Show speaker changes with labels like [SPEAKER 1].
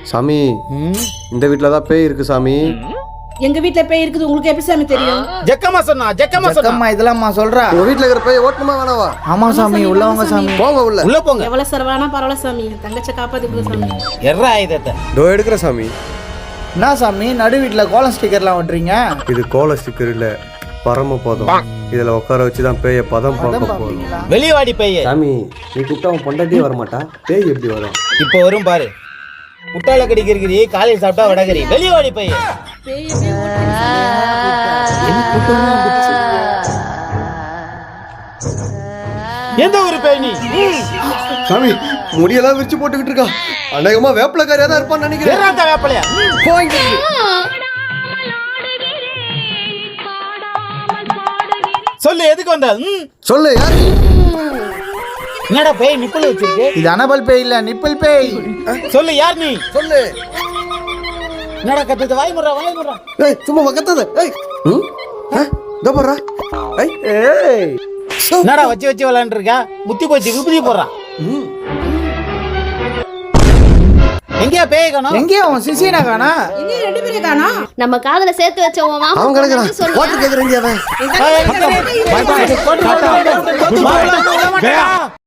[SPEAKER 1] சாமி இந்த வீட்டில் தான் பேய் இருக்கு சாமி.
[SPEAKER 2] எங்க வீட்ல பேய் இருக்குது, உங்களுக்கு எப்படி சாமி தெரியும்?
[SPEAKER 3] ஜக்கம்மா சொன்னா
[SPEAKER 4] இதெல்லாம் சொல்றா.
[SPEAKER 1] உங்க வீட்டில் இருக்கிற பேய் ஓட்டணுமா வேணாவா?
[SPEAKER 4] ஆமா சாமி, உள்ளவங்க சாமி.
[SPEAKER 1] போங்க உள்ள.
[SPEAKER 3] உள்ள போங்க.
[SPEAKER 2] எவ்வளவு செலவானா பரவாயில்ல சாமி, தங்கச்ச காப்பாத்தி சாமி.
[SPEAKER 3] எர்ற ஆயுதத்தை
[SPEAKER 1] டோ எடுக்கிற சாமி.
[SPEAKER 4] என்ன சாமி நடு வீட்டுல கோலம் ஸ்டிக்கர்லாம் ஒட்டுறீங்க?
[SPEAKER 1] இது கோல ஸ்டிக்கர் இல்ல, பரம பதம். இதுல உட்கார வச்சுதான் பேய பதம் பார்க்க போறோம்.
[SPEAKER 3] வெளிவாடி பேய்.
[SPEAKER 1] சாமி நீ கூப்பிட்டா அவன் பொண்டாட்டியே வரமாட்டா, பேய் எப்படி வரும்?
[SPEAKER 3] இப்போ வரும் பாரு. முட்டாள கடிக்கிறீ, காலையில் சாப்பிட்டா வடகரி. வெளிவாடி பேய். எந்த ஒரு பேய் நீ?
[SPEAKER 1] சாமி முடியெல்லாம் விரிச்சு போட்டுக்கிட்டு இருக்கா. அநேகமா வேப்பிலக்காரியா தான் இருப்பான்னு நினைக்கிறேன்.
[SPEAKER 3] வேப்பலையா? சொல்லு, எதுக்கு வந்த?
[SPEAKER 1] சொல்லு யாரு?
[SPEAKER 3] என்னடா பேய் நிப்பிள் வச்சிருக்கு?
[SPEAKER 4] இது அனபல் பேய் இல்ல, நிப்பிள் பேய்.
[SPEAKER 3] சொல்லு, யார் நீ?
[SPEAKER 1] சொல்லு.
[SPEAKER 3] என்னடா கத்துது? வாய் முறா.
[SPEAKER 1] ஏய் சும்மா வக்கத்தாத. ஏய் இதோ போறா. ஏய்
[SPEAKER 3] என்னடா வச்சு விளையாண்டு இருக்கா? முத்தி போச்சு, விபூதி போடுறான். எங்கயா பேய் காணோம்?
[SPEAKER 4] எங்கேயும் அவன் சிசியனா காணா?
[SPEAKER 2] இங்க ரெண்டு பேரும் காணோம்.
[SPEAKER 5] நம்ம காதுல சேர்த்து வச்ச உன் மாமா
[SPEAKER 1] அவன் கிடக்குறான். ஓட்டு கேக்குறேன் அவன்.